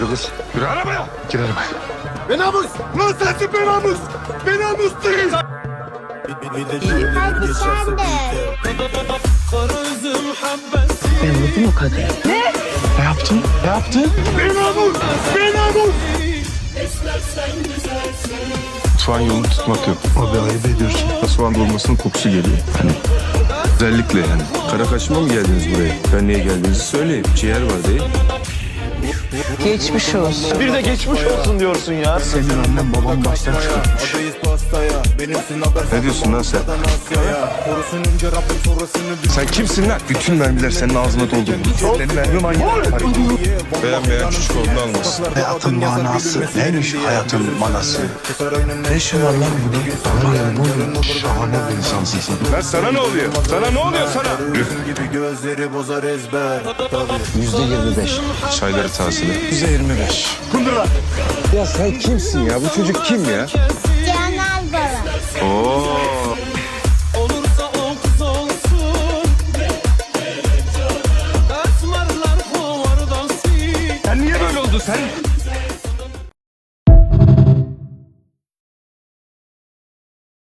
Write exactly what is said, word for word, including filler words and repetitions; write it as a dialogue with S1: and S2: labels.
S1: Kız. Yürü arabaya.
S2: Gir arabaya.
S1: Be namus. Lan sensin be namus. Be namus değil.
S3: Hadi sen de.
S4: Ben vurdum o kadını.
S2: Ne yaptın? Ne yaptın?
S1: Be namus. Be namus.
S5: Soğan yolunu tutmak yok.
S2: Abi ayıp ediyorsun.
S5: Soğan dolmasının kokusu geliyor. Hani özellikle yani. Kara kaşıma mı geldiniz buraya? Ben niye geldiğinizi söyleyeyim. Ciğer var değil.
S4: Geçmiş olsun.
S2: Bir de geçmiş olsun diyorsun ya. Senin annen babam baştan çıkartmış.
S5: Ne diyorsun lan sen? Sen kimsin lan? Bütün mermiler senin ağzına doldu. Senin mermi manyağı. Beğenmeyen küçük olduğunu almasın.
S2: Hayatın manası neymiş hayatın manası? Ne işin var lan burada? Var ya bu şahane bir insansın sen.
S5: Lan sana ne oluyor? Sana ne oluyor sana?
S2: Yüzde yirmi beş.
S5: Çayları tazele.
S2: Yüzde yirmi beş.
S5: Ya sen kimsin ya? Bu çocuk kim ya?
S3: Canan baba.
S5: Oo.
S6: Olursa o kız olsun. Esmerler kovardan sil.
S5: Sen niye böyle oldun sen?